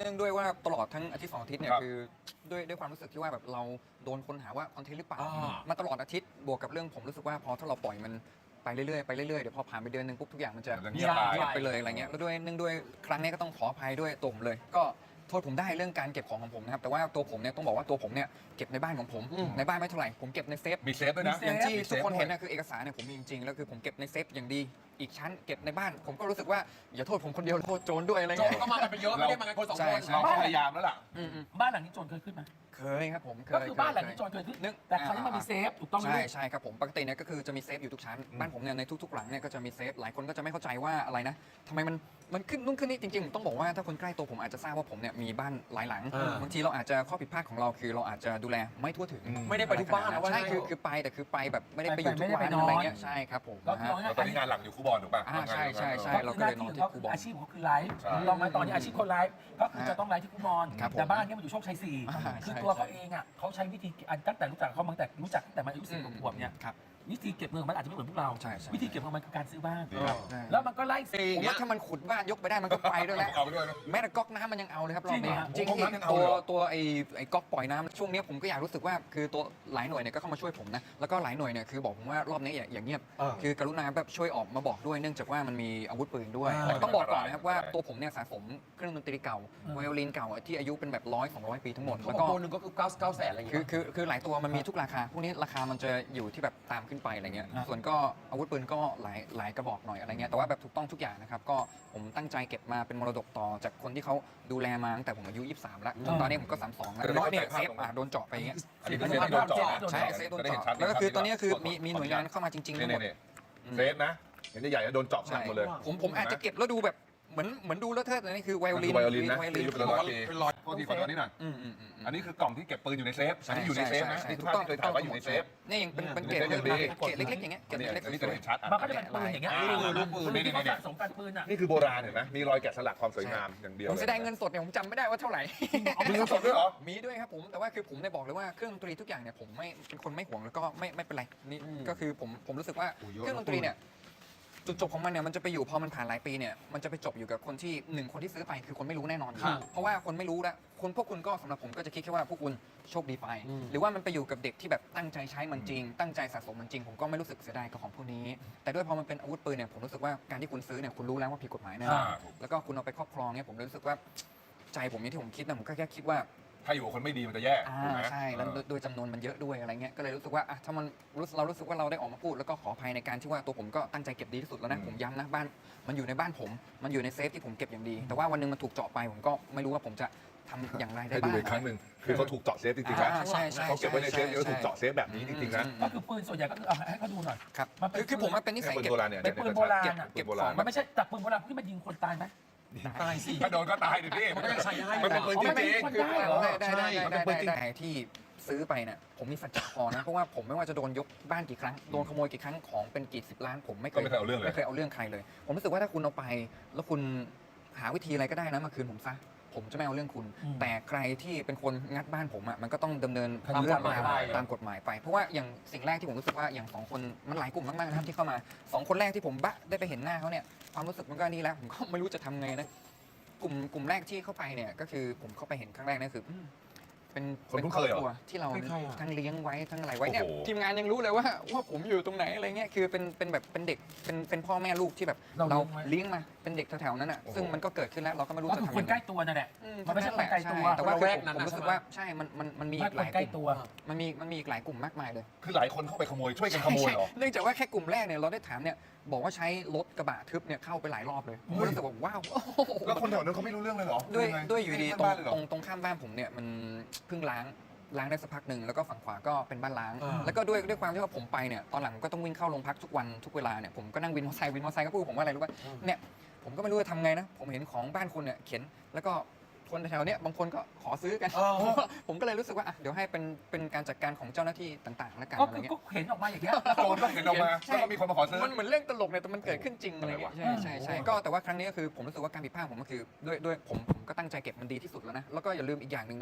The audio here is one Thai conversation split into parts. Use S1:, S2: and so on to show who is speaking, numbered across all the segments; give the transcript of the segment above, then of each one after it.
S1: นื่องด้วยว่าตลอดทั้งอาทิตย์2 อาทิตย์เนี่ย
S2: ครับ
S1: คือด้วยความรู้สึกที่ว่าแบบเราโดนคนหาว่าคอนเทนต์หรือเปล่า
S2: อ่า
S1: มาตลอดอาทิตย์บวกกับเรื่องผมรู้สึกว่าพอถ้าเราปล่อยมันไปเรื่อยๆไปเรื่อยๆเดี๋ยวพอผ่านไปเดือนหนึงปุ๊บทุกอย่างมันจะ
S2: มันจะเงียบไป
S1: เงียบไปเลยอะไรเงี้ยแล้วด้วยเนื่องด้วยครั้งนี้ก็ต้องขออภัยด้วยตัวผมเลย ก็โทษผมได้เรื่องการเก็บของผมนะครับแต่ว่าตัวผมเนี่ยต้องบอกว่าตัวผมเนี่ยเก็บในบ้านของผมในบ้านไม่เท่าไหร่ผมเก็บในเซฟ
S2: มีเซฟด้วยนะ
S1: อย่างที่
S2: มีซ
S1: ทุก
S2: ฟ
S1: คนเห็น
S2: ด้วย
S1: นะคือเอกสารเนี่ยผมมีจริงๆแล้วคือผมเก็บในเซฟอย่างดีอีกชั้นเก็บในบ้านผมก็รู้สึกว่าอย่าโทษผมคนเดียวโทษโจรด้วยอะไร
S3: โจ
S1: เงี้ย
S3: ก็มากันเป็นเยอะไม่ได้มากันคนสอง
S1: ใช่
S3: คน
S1: ใช่
S2: เราก็พยายามแล้วล่ะ
S1: อืม
S4: บ้านหลังนี้โจรเคยขึ้นไหม
S1: เคยครับผมเคย
S4: ก็คือบ้านหลังนี้โจรเคยขึ้น
S1: นึก
S4: แต่คราวนี้มันมีเซฟถูกต้องไหม
S1: ใช่ใช่ครับผมปกติเนี่ยก็คือจะมีเซฟอยู่ทุกชั้นบ้านผมเนี่ยในทุกๆหลังเนี่ยก็จะมีเซฟหลายคนก็จะไม่เข้าใจว่าอะไรนะทำไมมันขึ้นนู่นขึ้นนี่จริงๆผมต้องบอกว่าถ้าคนใกล้ตัวผมอาจจะทราบว่าผมเนี่ยมีบ้านหลายหลังบางทีเราอาจจะข้อผิดพลาดของเราคือเราอาจจะดูแลไม่ทั่วถึง
S3: ไม่ได้ไปทุกบ้านนะว่า
S1: ใช่คือไปแต่คือไปแบบไม่ได้ไปอยู่ทุกวันอะไรเงี้ยใช่ครับผม
S4: ก็
S1: นะ
S4: คือ
S1: ฮะ
S4: เอาง่าย
S2: แล้วตอนนี้งานหลักอยู่คูบอลถูกป่ะ
S1: ใช่ใช่ใช่
S4: ๆก็คือหน้าที่ของเขาคืออาชีพของเขาคือไลฟ์
S2: ใช่
S4: ถูกต้องไหมตอนนี้อาชีพคนไลฟ์ก็คือจะต้องไลฟ์ที่คุมอน
S1: ครับผม
S4: แต่บ้านเนี้มันอยู่โชคชัย4
S1: อ่า
S4: คือ
S1: ใช่
S4: ตัวเขา
S1: ใช่
S4: เองอ่ะเขาใช้วิธีตั้งแต่รู้จักเขามาตั้งแต่รู้จักตั้งแต่มันอายุ10 กว่าขวบเนี่ย
S1: ครับ
S4: วิธีเก็บเงินของมันอาจจะไม่เหมือนพวกเรา
S1: ใช่ใช่
S4: วิธีเก็บเงินของมันคือการซื้อบ้าน
S2: ครับ
S1: ใช่
S4: แล้วมันก็ไล่
S1: ผมว่าถ้ามันขุดบ้านยกไปได้มันก็ไปด้วยแหละ
S2: เอาไปด้วยนะ
S1: แม้แต่ก๊อกน้ำมันยังเอาเลยครับรอบนี้
S4: จริงเหรอ
S1: จริง
S2: ก๊อกน้ำยังเอา
S1: ตัว
S2: เลยเหรอ
S1: ตัวไอ้ก๊อกปล่อยน้ำช่วงนี้ผมก็อยากรู้สึกว่าคือตัวหลายหน่วยเนี่ยก็เข้ามาช่วยผมนะแล้วก็หลายหน่วยเนี่ยคือบอกผมว่ารอบนี้อย่างเงียบคือกรุณาแบบช่วยออกมาบอกด้วยเนื่องจากว่ามันมีอาวุธปืนด้วยแต่ต้องบอกก่อนนะครับว่าตัวผมเนี่ยสะสมเครื่องดนตรีเก่าไวโอลินเก่าที่อายุเป็นแบบ100-200 ปีทั้งหมด
S3: เขา
S1: แล้ว
S3: บอก
S1: ก็
S3: ตัวหนึ่งก็คือ9 แสนอะไรอย่าง
S1: คื
S3: เงี้
S1: อย คือหลายตัวมันมีทุกราคาพวกนี้ราคามันจะอยู่ที่แบบตามขึ้นไปอะไรเงี้ยส่วนก็อาวุธปืนก็หลายกระบอกหน่อยอะไรเงี้ยแต่ว่าแบบถูกต้องทุกอย่างนะครับก็ผมตั้งใจเก็บมาเป็นมรดกต่อจากคนที่เขาดูแลมาตั้งแต่ผมอายุ23แล้วจนตอนนี้ผมก็32แล้วน้อยเนี่ยเซฟโดนเจาะไปอย่างเงี้ย
S2: อันนี้เป็นเซฟที่โดนเจาะ
S1: ใช่เซฟโดน
S2: จะได้เห็น
S1: เจาะ
S2: ชัด
S1: แล้วก็คือตอนนี้คือมีหน่วยงานเข้ามาจริงๆทั้งหมด
S2: นี่เซฟนะเห็นใหญ่ๆโดนเจาะหนักหมดเลย
S1: ผมอาจจะเก็บแล้วดูแบบเหมือนดูแล้วเทิดแต่นี่คือไวโอลิน
S2: ไวโอลินนะ
S1: ไวโอ
S2: ที่
S1: ลิน
S2: อายุเป็นร้อยปีเป็นร้อยโทษทีขอโทษนิดหน่อย
S1: อืม
S2: อันนี้คือกล่องที่เก็บปืนอยู่ในเซฟอันนี้อยู่ในเซฟนะ
S1: ใช่
S2: ที่ทุก
S1: ถูก
S2: ท่าน
S1: ต้อง
S2: เคยถ่ายว่าอยู่ในเซฟ
S1: นี่ยังเป็นเกรด
S2: เป็นเกรด
S1: เกรดเล็กๆอย่างเงี้ยเกร
S2: อัน
S1: ด
S2: นี้
S1: เล็ก
S2: อันนี้จะเห็นชัด
S4: มันก็จะเป็นปืนอย่างเงี้ย
S2: ลูกปืน
S4: ที่เขาสะสมกันปืนอ่ะ
S2: นี่คือโบราณเห็นไหมมีรอยแกะสลักความสวยงามอย่างเดียว
S1: ผมเสียดายเงินสดเนี่ยผมจำไม่ได้ว่าเท่าไหร่
S2: มีเงินสดด้วยเหรอ
S1: มีด้วยครับผมแต่ว่าคือผมได้บอกเลยว่าเครื่องดนตรีทุกอย่างเนี่ยผมไม่เป็นคนไม่ห่วงแล้วก็ไม่เป็นไรนี่ก็คือผมรู้สึกว่าเครื่องดนตรีเนี่ยจุดจบของมันเนี่ยมันจะไปอยู่พอมันผ่านหลายปีเนี่ยมันจะไปจบอยู่กับคนที่คนที่ซื้อไปคือคนไม่รู้แน่นอนเพราะว่าคนไม่รู้แล้วพวกคุณก็สำหรับผมก็จะคิดแค่ว่าพวกคุณโชคดีไปหรือว่ามันไปอยู่กับเด็กที่แบบตั้งใจใช้มันจริง ตั้งใจสะสมมันจริงผมก็ไม่รู้สึกเสียดายกับของพวกนี้ แต่ด้วยพอมันเป็นอาวุธปืนเนี่ยผมรู้สึกว่าการที่คุณซื้อเนี่ยคุณรู้แล้วว่าผิดกฎหมายแน่แล้วก็คุณเอาไปครอบครองเนี่ยผมเลยรู้สึกว่าใจผมเนี่ยที่ผมคิดนะผมก็แค่คิดว่า
S2: ถ้าอยู่กับคนไม่ดีมันจะแย่ถูกไหม
S1: ใช่แล้วโดยจำนวนมันเยอะด้วยอะไรเงี้ยก็เลยรู้สึกว่าถ้ามันเรารู้สึกว่าเราได้ออกมาพูดแล้วก็ขออภัยในการที่ว่าตัวผมก็ตั้งใจเก็บดีที่สุดแล้วนะผมย้ำนะบ้านมันอยู่ในบ้านผมมันอยู่ในเซฟที่ผมเก็บอย่างดี แต่ว่าวันนึงมันถูกเจาะไปผมก็ไม่รู้ว่าผมจะทำอย่างไรได้
S2: ให้ดู
S1: บ้าง
S2: อีกครั้งหนึ่งคือเขาถูกเจาะเซฟจริงๆนะ
S1: ใช่ใช่
S2: เขาเก็บไว้ในเซฟแล้วถูกเจาะเซฟแบบนี้จริงๆนะ
S4: ก็คือปืนส่วนใหญ่ก็คือเอาให้เขาดูหน่อย
S1: ครับ
S4: มันเป็น
S1: คือผมมันเป็นนิสัย
S2: ปืน
S1: เก็บ
S2: โบราณเนี่ย
S4: เป็นปืนโบราณอะ
S1: เก็บ
S2: ปืนโบ
S1: ข
S2: รา
S1: อ
S2: ณ
S1: ง
S4: มันไม่ใช่จากปืนโบราณที่มันยิงคนตายไหม
S3: ตายสิ
S2: ถ้าโดนก็ตายดิพี่
S3: มันก็ยังใช้ได้
S2: มันเป็นปืนจ
S4: มันเป็น
S2: ริง
S4: คน
S2: ๆ
S4: ได้เหรอ
S1: ได้ที่ซื้อไปเนี่ยผมมีสัจจะพอนะเพราะว่าผมไม่ว่าจะโดนยกบ้านกี่ครั้งโดนขโมยกี่ครั้งของเป็นกี่10 ล้านผมไม่เค
S2: ก็
S1: ย
S2: ไม่เคยเอาเรื่องเลย
S1: ไม่เคยเอาเรื่องใครเลย ผมรู้สึกว่าถ้าคุณเอาไป แล้วคุณหาวิธีอะไรก็ได้นะมาคืนผมซะผมจะไม่เอาเรื่องคุณ แต่ใครที่เป็นคนงัดบ้านผมอ่ะมันก็ต้องดำเนินตามกฎหมายไปเพราะว่าอย่างสิ่งแรกที่ผมรู้สึกว่าอย่าง2 คนมันหลายกลุ่มมากๆนะครับที่เข้ามา2 คนแรกที่ผมได้ไปเห็นหน้าเขาเนี่ยความรู้สึกมันก็นี่แล้วผมก็ไม่รู้จะทำไงนะกลุ่มแรกที่เข้าไปเนี่ยก็คือผมเข้าไปเห็นครั้งแรกนั่นคือเป็น
S2: คนคุ้น
S1: คร
S2: เค
S1: อย บ
S2: เหรอ
S1: ครัวที่เรา
S3: ใครอะ
S1: ทั้งเลี้ยงไว้ทั้งอะไรไว้เนี่ย
S2: โอ้โห
S1: ทีมงานยังรู้เลยว่าผมอยู่ตรงไหนอะไรเงี้ยคือเป็นแบบเป็นเด็กเป็นพ่อแม่ลูกที่แบบ
S4: เรา
S1: เราเลี้ยงมาเป็นเด็กแถวๆนั้นอ่ะซึ่งมันก็เกิดขึ้นแล้วเราก็ไม่รู้
S4: ก็
S1: จะ
S4: คือ
S1: ทำ
S4: คน
S1: ยัง
S4: ใก
S1: ไง
S4: ล้ตัวนั่นแหละ มันไม่ใช่
S1: นั่น
S4: ค
S1: แห
S4: น
S1: ละ
S4: ไกลตัว
S1: ใช่แต่ว่า
S3: ระแวกนั้น
S1: ผมรู้สึกว่าใช่มันมี
S4: ไม่
S1: อีกหลาย
S4: คนใกล้
S1: กลุ่ม
S4: ตัว
S1: มันมีอีกหลายกลุ่มมากมายเลย
S2: คือหลายคนเข้าไปขโมยช่วยกันขโมยเหรอ
S1: ใช่เนื่องจากว่าแค่กลุ่มแรกเนี่ยเราได้ถามเนี่ยบอกว่าใช้รถกระบะทึบเนี่ยเข้าไปหลายรอบเลยผมก็รู้สึกว่าว้าวโอ้โห
S2: แล้วคนแถวนั้นเขาไม่รู้เรื่องเลยเหรอ
S1: ด้วยอยู่ดี
S2: ไม่บ้านเลยเหรอ
S1: ตรงข้ามบ้านผมเนี่ยมันเพิ่งล้างได้สักพักหนึ่งแล้วก็ฝั่งขวาก็เป็นบ้านล้าง
S3: อ่า
S1: แล้วก็ด้วยความที่ว่าผมไปเนี่ยตอนหลังก็ต้องวิ่งเข้าโรงพักทุกวันทุกเวลาเนี่ยผมก็นั่งวินมอเตอร์ไซค์ก็พูดผมว่าอะไรรู้ป่ะเนี่ยผมก็ไม่รู้จะทำไงนะผมเห็นของบ้านคุณเนี่ยเขียนแล้วก็คนแถวๆเนี้ยบางคนก็ขอซื้อกัน ผมก็เลยรู้สึกว่าอ่ะเดี๋ยวให้เป็นการจัดการของเจ้าหน้าที่ต่างๆแล้วกัน
S4: ก็
S1: อะไร
S4: คือ
S1: เงี้ย
S4: ก็เห็นออกมาอย่างเงี้ย
S2: โจรก็เห็นออกมาแล้วก็มีคนมาขอซื้อ
S1: มันเหมือนเรื่องตลกเนี่ยแต่มันเกิดขึ้นจริงอะไรเงี้ย
S2: อะไรวะ
S1: ใช่ก็แต่ว่าครั้งนี้ก็คือผมรู้สึกว่าการผิดพลาดผมก็คือด้วยผมก็ตั้งใจเก็บมันดีที่สุดแล้วนะแล้วก็อย่าลืมอีกอย่างหนึ่งนะ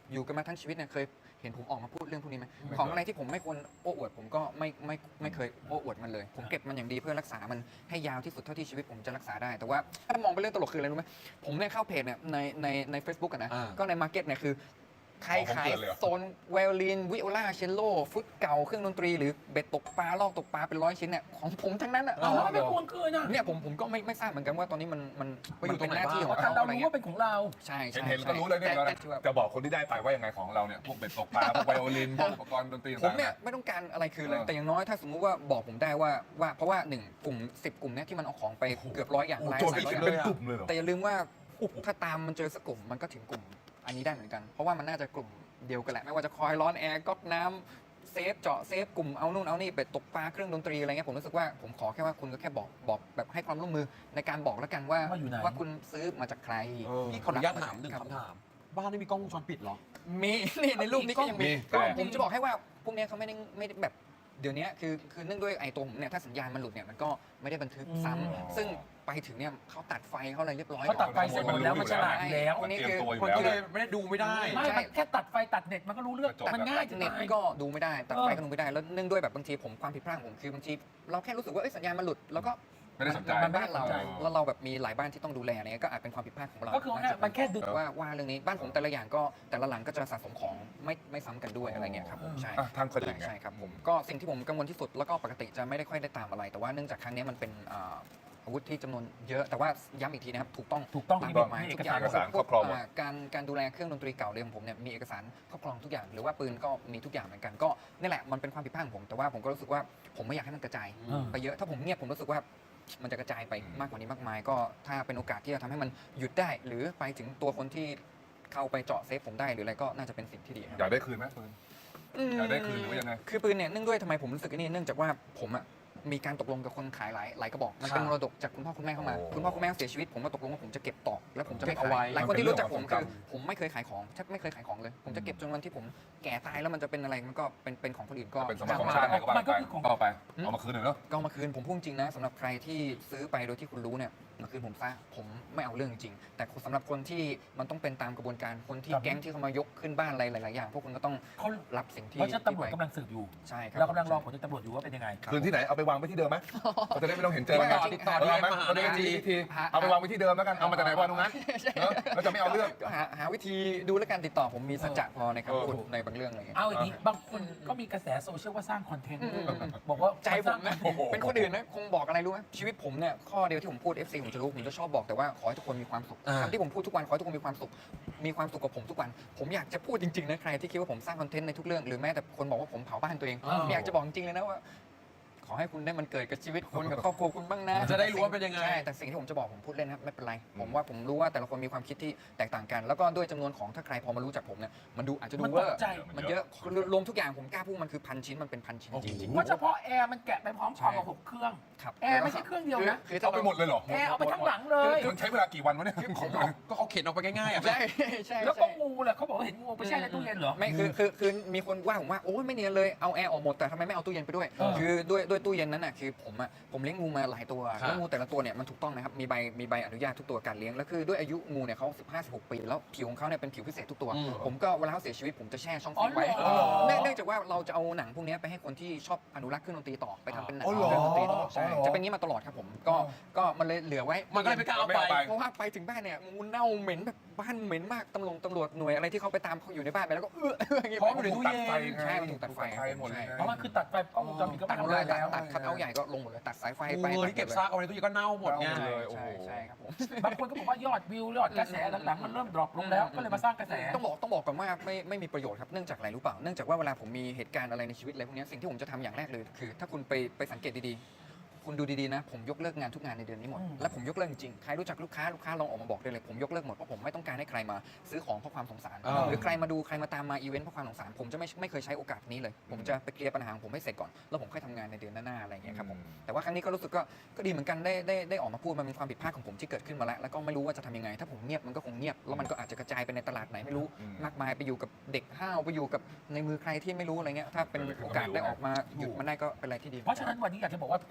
S1: อยู่กันมาทั้งชีวิตเนี่ยเคยเห็นผมออกมาพูดเรื่องพวกนี้ไหมของอะไรที่ผมไม่ควรโอ้อวดผมก็ไม่เคยโอ้อวดมันเลย ผมเก็บมันอย่างดีเพื่อรักษามันให้ยาวที่สุดเท่าที่ชีวิตผมจะรักษาได้แต่ว่าถ้ามองเป็นเรื่องตลกคืออะไรรู้ไหมผมเนี่ยเข้าเพจเนี่ยใน Facebook กันนะก็ในมาร์เก็ตเนี่ยคือใครขายโซนไวโอลินวิโอลาเชลโลฟุตเก่าเครื่องดนตรีหรือเบ็ดตกปลาลอกตกปลาเป็น100 ชิ้นเนี่ยของผมทั้งนั้นอ่ะ
S4: เอาแล้วไม่ควรคืนนะ
S1: เนี่ยผมก็ไม่ทราบเหมือนกันว่าตอนนี้มัน
S3: ไปอยู่ตรงไหน
S1: เป็นหน้าที่ของ
S4: เพราะ
S1: เขา
S4: เรา
S1: อะไร
S4: รู้
S1: เงี้
S4: ว่าย เป็นของเรา
S1: ใช่
S2: เห็นก็รู้เลยเนี่ย
S1: แต่
S2: จะบอกคนที่ได้ไปว่ายังไงของเราเนี่ยพวกเบ็ดตกปลาพวกไวโอลินพวกอุปกรณ์ดนตรี
S1: ผม
S2: ต่างๆ
S1: เนี่ยไม่ต้องการอะไรคืนเลยแต่อย่างน้อยถ้าสมมุติว่าบอกผมได้ว่าเพราะว่า1กลุ่ม10 กลุ่มเนี่ยที่มันเอาของไปเกือบ100 อย่าง
S2: โอ้
S1: หลาย
S2: โจทย์
S1: หลาย
S2: เป็น
S1: ร้อยอย่าง
S2: กลุ่มเลยเหรอ
S1: แต่อย่าลืมว่าถ้าตามมันเจอสักกลุ่มมันก็ถึงกลุ่มอันนี้ได้เหมือนกัน เพราะว่ามันน่าจะกลุ่มเดียวกันแหละไม่ว่าจะคอยร้อนแอร์ก๊อกน้ำเซฟเจาะเซฟกลุ่มเอานู่นเอานี่เป็ดตกปลาเครื่องดนตรีอะไรเงี้ยผมรู้สึกว่าผมขอแค่ว่าคุณก็แค่บอกแบบให้ความร่วมมือในการบอกแล้วกันว่า
S4: ว่าอยู่ไหน
S1: ว่าคุณซื้อมาจากใคร
S3: พี่ขออนุญาตถามหนึ่งคำถาม บ้านนี่มีกล้องวงจรปิดเหรอ
S1: มีนี่ในรูปนี้ก็ยังมี
S2: มี
S1: ก็
S2: แต่
S1: ผมจะบอกให้ว่าพวกเนี้ยเขาไม่ได้แบบเดี๋ยวนี้คือเนื่องด้วยไอ้ตัวผมเนี่ยถ้าสัญญาณมันหลุดเนี่ยมันก็ไม่ได้บันทึกซ้ำซึ่งไปถึงเนี่ยเขาตัดไฟเขาอะไรเรียบร้อย
S4: เขาตัดไฟเสร็จหมดแล้วมันฉลาดอยู่แล้ว
S1: วันนี้
S2: เตรีย
S1: คื
S2: ม
S1: อ
S2: ตัวอยู่
S3: คน
S2: แล้ว
S3: ก็เลยไม่ได้ดูไม่ได้
S4: ไม่มันแค่ตัดไฟตัดเน็ตมันก็รู้เรื่อง
S2: จบ
S4: มันง่ายจะ
S1: เน็ต
S4: ตาย
S1: ก็ดูไม่ได้ตัดไฟก็ดูไม่ได้แล้วเนื่องด้วยแบบบางทีผมความผิดพลาดของผมคือบางทีเราแค่รู้สึกว่าสัญญาณมันหลุดแล้วก็
S2: ไม่ได้สนใจ
S1: มันบ้านเรา
S4: ไม่ได้สนใจ
S1: แล้วเราแบบมีหลายบ้านที่ต้องดูแลเนี่ยก็อาจเป็นความผิดพลาดของเรา
S4: ก็คือว่ามันแค่ดึง
S1: ว่าเรื่องนี้บ้านผมแต่ละอย่างก็แต่ละหลังก็จะสะสมของไม่ซ้ำกันด้วยอะไรเงี้ยครับผมใช่
S2: อ่ะทางคนอื่นไง
S1: ใช่ครับผมก็สิ่งที่ผมกังวลที่สุดแล้วก็ปกติจะไม่ได้ค่อยได้ตามอะไร แต่ว่าเนื่องจากครั้งนี้มันเป็นอาวุธที่จำนวนเยอะแต่ว่าย้ำอีกทีนะครับถูกต้อง
S4: ถูกต้อง
S1: ตาม
S4: มี
S1: กฎหมาย
S4: เอ
S1: ทุ
S4: ก
S1: กอย่า
S4: สารง
S2: เอกสารครอบครองหมด
S1: การดูแลเครื่องดนตรีเก่าเลยของผมเนี่ยมีเอกสารครอบครองทุกอย่างหรือว่าปืนก็มีทุกอย่างเหมือนกันก็นี่แหละมันเป็นความผิดพลาดของผมแต่ว่าผมก็รู้สึกว่าผมไม่อยากให้มันกระจาย ไปเยอะถ้าผมเงียบผมรู้สึกว่ามันจะกระจายไปมากกว่านี้มากมาย ก็ถ้าเป็นโอกาสที่จะทำให้มันหยุดได้ หรือไปถึงตัวคนที่เข้าไปเจาะเซฟผมได้หรืออะไรก็น่าจะเป็นสิ่งที่ดีครับ
S2: อยากได้คืนไหมปืน อยากได้คืนหรือว่ายังไง
S1: คือปืนเนี่ยเนื่องด้วยทำไมผมรู้สึกนี่เนื่องจากว่าผมอะมีการตกลงกับคนขายหลายกระบอกมันเป็นมรดกจากคุณพ่อคุณแม่เข้ามา
S2: โอ้
S1: คุณพ่อคุณแม่เสียชีวิตผมก็ตกลงว่าผมจะเก็บต่อแล้วผมจะไม่
S3: เก็บเอา
S1: ขาย
S3: ไว้
S1: หลายคนที่รู้จักผม
S2: มันเป็น
S1: คือ
S2: เรื่องของ
S1: ผมไม่เคยขายของแทบไม่เคยขายของเลย ผมจะเก็บจนวันที่ผมแก่ตายแล้วมันจะเป็นอะไรมันก็เป็นของคนอื่นก็
S2: เป็นสมบัติของชาติอะไรก็ว่า
S4: มันก็
S2: ไป
S4: คือของ
S2: ก็เอาไปเอามาคืนหน่อยเนาะ
S1: ก็เอามาคืนผมพูดจริงนะสำหรับใครที่ซื้อไปโดยที่คุณรู้เนี่ยมาคืนผมซะผมไม่เอาเรื่องจริงๆแต่สำหรับคนที่มันต้องเป็นตามกระบวนการคนที่
S4: ครับ
S1: แก๊งที่เขามายกขึ้นบ้านอะไรหลายๆอย่างพวกคุณก็ต้อง
S4: เขา
S1: รับสิ่งที่
S4: เพราะฉะนั้นตำรวจ
S1: ที่
S4: กำลังสืบอยู่
S1: ใช่ครับ
S4: เรากำลังรอผลจากตำรวจอยู่ว่าเป็นยังไง
S2: คืนที่ไหนเอาไปวางไว้ที่เดิมไหมเราจะได้ไม่ต้องเห็นเจอกัน
S3: ติดต่อ
S2: เอาไหม
S3: มาหา
S2: เราได้
S3: ใน IG
S2: ทีเอาไปวางไว้ที่เดิมแล้วกันเอามาจากไหนวางตรงนั้นเนอะแล้วจะไม่เอาเรื่อง
S1: ก็หาวิธีดูและการติดต่อผมมีสัจจะพอในคำพูดในบางเรื่องอะไรอย่างเงี้ย
S4: เอาอย่างนี้บางคนก็มีกระแสโซเชียลว่าสร้างคอนเทนต์
S1: อืม
S4: บอกว่า
S1: ใจผมนะ
S2: โอ้โห
S1: เป็นคนอื่นนะคงบอกอะไรรู้ไหมชีวิตผมเนี่ยข้อเดียวที่ผมพูด FC ผมจะรู้ผมจะชอบบอกแต่ว่าขอให้ทุกคนมีความสุข
S3: อ่า
S1: คำที่ผมพูดทุกวันขอให้ทุกคนมีความสุขกับผมทุกวัน ผมอยากจะพูดจริงๆนะใครที่คิดว่าผมสร้างคอนเทนต์ในทุกเรื่องหรือแม้แต่คนบอกว่าผมเผาบ้านตัวเองอยากจะบอกจริงเลยนะว่า ขอให้คุณได้มันเกิดกับชีวิตคุณกับครอบครัวคุณบ้างนะ
S3: จะได้รู้ว่าเป็นยังไง
S1: ใช่แต่สิ่งที่ผมจะบอกผมพูดเล่นนะครับไม่เป็นไรผมว่าผมรู้ว่าแต่ละคนมีความคิดที่แตกต่างกัน แล้วก็ด้วยจำนวนของถ้าใครพอมารู้จักผมเนี่ยมันดูอาจจะดู
S4: มัน
S1: เว
S4: ต
S1: อก ร์
S4: ใจ
S1: มันเยอะรวมทุกอย่างผมกล้าพูดมันคือ1,000 ชิ้นมันเป็น1,000 ชิ้นจริง
S4: เพราะเฉพาะแอร์มันแกะไปพร้อมความกับ6 เครื่อง
S1: ๆครับ
S4: แอร์ไม่ใช่เครื่องเดียวนะ
S1: คือ
S2: เอาไปหมดเลยเหรอ
S4: แอร์เอาไปทั้งหลังเลย
S2: มันใช้เวลากี่วันวะเนี่ยของมัน
S3: ก็เขาเข็นออกไปง่ายๆอ่ะ
S1: ใช่ใช่
S4: แล้วก็งูแหละเขาบอกว่าเห็นงูไปแช่ในตู้เย็นเหรอ
S1: ไม่คือมีคนว่าผมว่าโอ้ยไม่เนียนเลยเอาแอร์ออกหมดแต่ทำไมไม่เอาตู้เย็นไปด้วย
S4: เออ
S1: คือด้วยตู้เย็นนั้นน่ะคือผมเลี้ยงงูมาหลายตัวแล้วงูแต่ละตัวเนี่ยมันถูกต้องนะครับมีใบอนุญาตทุกตัวการเลี้ยงแล้วคือด้วยอายุงูเนี่ยเขา15-16 ปีแล้วผิวของเขาเนี่ยเป็นผิวพิเศษทุกตัว ผมก็เวลาเขาเสียชีวิตผมจะแช่ช่องฟรีไว้
S4: อ๋อเหรอ
S1: เนื่องจากว่าเราจะเอาหนังพวกนี้ไปให้คนที่ชอบอนุรักษ์เครื่องดนตรีต่อไปทำเป็นหนัง
S2: อ๋อเหรอ
S1: เครื่องดนตรีต่อใช่
S2: อ๋อเหรอ
S1: จะเป็นอย่างนี้มาตลอดครับผมก็มันเลยเหลือไว้
S3: มันก็เลยไม่กล้าเอาไป
S1: เพราะว่าไปถึงบ้านเนี่ยงูเน่าเหม็นแบบบ้านเหม็นมากตำรวจหน่วยอะไรที่เขาไปตามเขาอยู่ในบ้านไปแล้วก็อย่างงี้
S3: เพราะมันอยู่ในตู้เย็น
S1: ใช่มันถูกตัดไฟ
S2: หมดเลย
S4: เพราะมันคือตัดไฟกล้องวงจรปิดก็
S1: ตั
S4: ไม่
S1: ดหม
S4: ทำ
S1: ด
S4: อะ
S1: เล
S4: ไร
S1: ยตัด
S4: แล้ว
S1: คัทเอาท์ใหญ่ก็ลงหมดเลยตัดสายไฟไป
S3: งูที่เก็บซากเอาไว้ในตู้เย็นก็เน่าหมดไง
S1: ใช่ครับผม
S4: บางคนก็บอกว่ายอดวิวยอดกระแสหลังๆมันเริ่มดรอปลงแล้วก็เลยมาสร้างกระแส
S1: ต้องบอกก่อนว่าไม่มีประโยชน์ครับเนื่องจากอะไรรู้เปล่าเนื่องจากว่าเวลาผมมีเหตุการณ์อะไรในชีวิตอะไรพวกนี้สิ่งที่ผมจะทำอย่างแรกเลยคือ ถ้าคุณไปสังเกตดีๆคุณดูดีๆนะผมยกเลิกงานทุกงานในเดือนนี้หมดและผมยกเลิกจริงใครรู้จักลูกค้าลองออกมาบอกได้เลยผมยกเลิกหมดเพราะผมไม่ต้องการให้ใครมาซื้อของเพราะความสงสารหรือใครมาดูใครมาตามมาอีเวนต์เพราะความสงสารผมจะไม่เคยใช้โอกาสนี้เลยผมจะไปเคลียร์ปัญหาของผมให้เสร็จก่อนแล้วผมค่อยทำงานในเดือนหน้าๆอะไรอย่างเงี้ยครับผมแต่ว่าครั้งนี้ก็รู้สึกก็ดีเหมือนกันได้ออกมาพูดมันเป็นความผิดพลาดของผมที่เกิดขึ้นมาแล้วก็ไม่รู้ว่าจะทำยังไงถ้าผมเงียบมันก็คงเงียบแล้วมันก็อาจจะกระจายไปในตลาดไหนไม่รู้มากมายไปอยู่กับเด็กห้าวไปอยู่กับในมือใครที่ไม่รู้อะไรเงี้ยถ้าเป็นโอกาสได้ออกมาหยุดมันได้ก็เป็นอะไรที่ดี
S4: เพราะฉะนั้นวันนี้อยากจะบอกว่าปืนไปอยู่ที่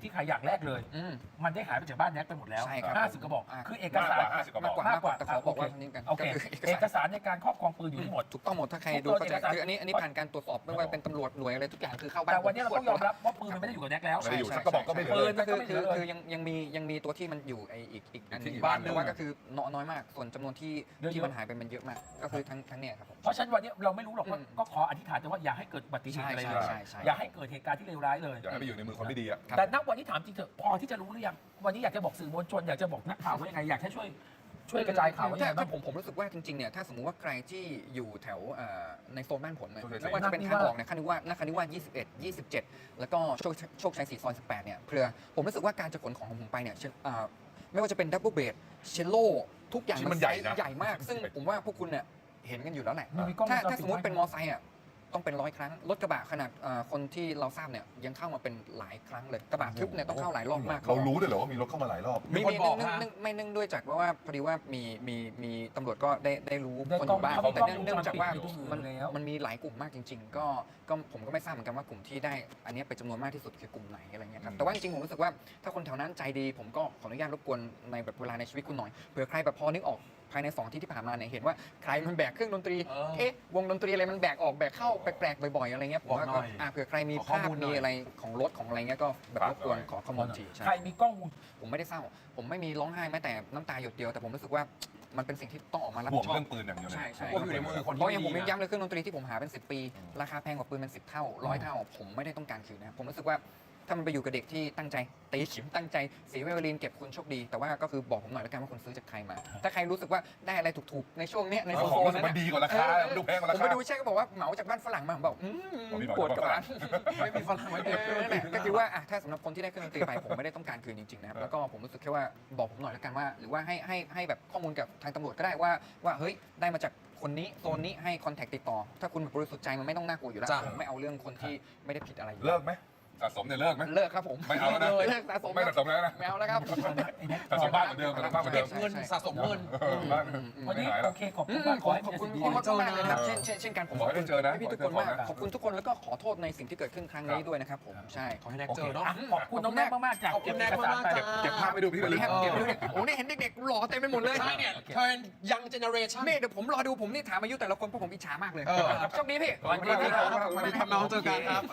S4: ที่ใครอย่างแรกเลย
S1: อืม
S4: มันได้หายไปจากบ้านแน็กไปหมดแล้ว
S1: ใช่ครับ
S4: 50 กระบอก
S1: อ่า
S4: คือเอกสาร
S2: มากกว่า
S1: มากกว่าแต่ขอบอกว่านิดกัน
S4: โอเค
S1: ก็คือ
S4: เอกสารในการครอบครองปืนอยู่ที่หมด
S1: ถูกต้องหมดถ้าใครดูก็จะคืออันนี้ผ่านการตรวจสอบไม่ว่าเป็นตำรวจหน่วยอะไรทุกอย่างคือเข้าบ้าน
S4: แต่วันนี้เราต้องยอมรับว่าปืนมันไม่ได้อยู่กับแน็กแล้ว
S2: ไม่ได้อยู่สักกระบอกก็ไม่เหลือ
S4: ปื
S2: เลย
S4: น
S1: ก็คือ
S4: ไม่เหลือเลย
S1: คือยังมีตัวที่มันอยู่ไออีกอันหนึง
S2: ที่
S1: บ้าน
S2: บ้าน
S1: แต่ว่าก็คือน้อยมากส่วนจำนวนที่
S4: เยอะๆ
S1: ที่มันหายไปมันเยอะมาก ก็คือทั้งเนี่ยครับผม
S4: เพราะฉะนั้นวันนี้เราไม่รู้หรอกว่า
S1: อืม
S4: ก็ขออธิษฐานแต่ว่าอย่าให้เกิดอุบัติเหตุอะไรเลย
S1: ใช่
S4: อย่าให้เกิดเหตุการณ์ที่เลวร้ายเลย
S2: อย่าให้ไปอยู่ในมือคนไม่ดีอ่ะ
S4: แต่ณวันนี้ถามจริงเถอะพอที่จะรู้หรือยังวันนี้อยากจะบอกสื่อมวลชนอยากจะบอกนักข่าวว่ายังไงอยากให้ช่วยกระจายข่าวว่ายังไงบ้า
S1: ถ้าง ผมรู้สึกว่าจริงๆเนี่ยถ้าสมมุติว่าใครที่อยู่แถวในโซนบ้านผมเนี่ย
S2: โชคชัย
S1: ไม่ว่าจะเป็นทางออกเนี่ยคานิว่านาคานิว่า21 27 แล้วก็โชคชัย4ซอย18เนี่ยเพื่อผมรู้สึกว่าการจะขนของผมไปเนี่ยไม่ว่าจะเป็นดับเบิลเบดเชลโลทุกอย่าง
S2: มันใหญ่นะ
S1: ใหญ่มาก ซึ่งผมว่าพวกคุณเนี่ยเห็นกันอยู่แล้วแหละ
S4: มันมีกล้องวงจรปิด
S1: ถ้าสมมติเป็นมอไซค์อ่ะต้องเป็น100 ครั้งรถกระบะขนาดคนที่เราทราบเนี่ยยังเข้ามาเป็นหลายครั้งเลยกระบะทึบเนี่ยต้องเข้าหลายรอบมาก
S2: เรารู้ด้วยเหรอว่ามีรถเข้ามาหลายรอบ
S3: มีคนบอกฮะ
S1: ไม่เนื่องด้วยจากว่าพอดีว่ามีตำรวจก็ได้รู้
S4: ได้
S1: คนอยู่บ้าง
S4: กล้อง
S1: แต่เนื่องจากว่า
S4: วงจรปิด
S1: มัน
S4: แล้ว
S1: มันมีหลายกลุ่มมากจริง ๆ ก็ผมก็ไม่ทราบเหมือนกันว่ากลุ่มที่ได้อันนี้เป็นจำนวนมากที่สุดคือกลุ่มไหนอะไรเงี้ยครับแต่ว่าจริงๆผมรู้สึกว่าถ้าคนแถวนั้นใจดีผมก็ขออนุญาตรบกวนในแบบเวลาในชีวิตคุณหน่อยเผื่อใครแบบพอนึกออกภายใน2 ที่ผ่านมาเนี่ยเห็นว่าใครมันแบกเครื่องดนตรีวงดนตรีอะไรมันแบกออกแบกเข้าแปลกๆบ่อยๆอะไรเงี้ยผมว่า
S3: บอกหน่
S1: ก็
S3: อย
S1: เผื่อใครมี
S3: ขอข้อ
S1: ภาพ
S3: มูลหน่
S1: มี
S3: อย
S1: อะไรของรถของอะไรเงี้ยก็แบบรบกวนขอข้อมูลทีใช่
S4: ใครมีกล้องวง
S1: ผมไม่ได้เศร้า ผมไม่มีร้องไห้แม้แต่น้ำตาหยดเดียว แต่ผมรู้สึกว่ามันเป็นสิ่งที่ต้องออกมารับ
S2: ห่ว
S1: ผิ
S2: ง
S1: ดชอ
S2: เรื่
S1: บ
S2: องปืนอย่างเดียวเลย
S1: ใช่
S3: พวกอยู่ในมือคน
S1: เพ
S3: ที่
S1: ราะอย่างผม
S3: ดี
S1: ยัง
S3: นะ
S1: ย้ำเลยเครื่องดนตรีที่ผมหาเป็น10 ปี ราคาแพงกว่าปืนเป็น10 เท่า100 เท่า ผมไม่ได้ต้องการคืนนะผมรู้สึกว่าถ้ามันไปอยู่กับเด็กที่ตั้งใจตีขิมตั้งใจสีไวโอลินเก็บคุณโชคดี แต่ว่าก็คือบอกผมหน่อยแล้วกันว่าคุณซื้อจากใครมา ถ้าใครรู้สึกว่าได้อะไรถูกๆในช่วงเนี้ยใน
S2: เอา
S1: โซ
S2: ของ
S1: น
S2: รู้สึ
S1: นั้
S2: ก
S1: น
S2: มัน
S1: น่ะ
S2: ดีกว่าราคามันดูแพงกว่า
S1: ผ
S2: ราม คา
S1: ไปดูเช็คก็บอกว่าเหมาจากบ้านฝรั่งมาผมบอก
S2: ผมมีหน่อย
S1: ปวดกระบาล
S3: ไม่มีฝรั่งไว้เก็บ
S1: นั่นแหละก็คือว่าถ้าสำหรับคนที่ได้เครื่องดนตรีไปผมไม่ได้ต้องการคืนจริงๆนะครับแล้วก็ผมรู้สึกแค่ว่าบอกผมหน่อยแล้วกันว่า หรือว่าให้แบบข้อมูลกับทางตำรวจก็ได้ว่าเฮ้ยได้มาจากคนนี้โซนนี้ให้คอนแทคติดต่อ ถ้าคุณบริสุทธิ์ใจมันไม่ต้องน่ากลัวอยู่แล้ว
S3: จ้ะ
S1: ผมไม่เอาเรื่องคนที่ไม่ได้ผิดอะไรอยู่
S2: เลิกไหมสะสมเนี่ยเลิกไหม
S1: เลิกครับผม
S2: ไม่เอาแล้วนะ
S1: เลิกสะสม
S2: ไม่สะสมแล้วนะ
S1: ไม่เอาแล้วครับ
S2: สะสมบ้านเหมือนเดิมสะสมบ้านเหมือนเดิ
S3: เก็
S2: ม
S3: บเงินสะสมเงิน
S2: บ้าน
S4: วัน
S2: ไม่
S4: นี้
S2: หาย
S4: โอ
S2: แล้ว
S4: เคขอบคุณมากขอให้
S1: ขอบคุณ
S4: ดี
S1: พี่
S4: ๆ
S1: มากเลยนะครับเช่นกันผม
S2: ขอให้ได้เจอนะ
S1: พี่ทุกคนมากขอบคุณทุกคนแล้วก็ขอโทษในสิ่งที่เกิดขึ้นครั้งนี้ด้วยนะครับผมใช่
S3: ขอให้แน็กเจอเนาะ
S4: อ่ะขอบคุณน้องแน็กมากๆจาก
S3: ขอบคุณแน็ก
S4: เอกสาร
S3: มากๆ
S4: ไป
S3: จ้ะ
S2: เก็บภาพไปดูพี่
S1: สวัสดีครับ
S2: ไป
S1: เก็บไปดูเนี่ยโอ้เนี่ยเห็นเด็กๆหล่อเต็มไปหมดเลย
S3: ใช่เนี่ยเทิร์นยังเจเนอเรชั่น
S1: นี่เดี๋ยวผมรอดูผมนี่ถามอายุแต่ละคนเพราะผมอิจฉามากเลย
S3: เออ
S1: โชคดีพี่
S4: สวัสดีครับ
S3: สวัสดีครับน้องเจอกันครับ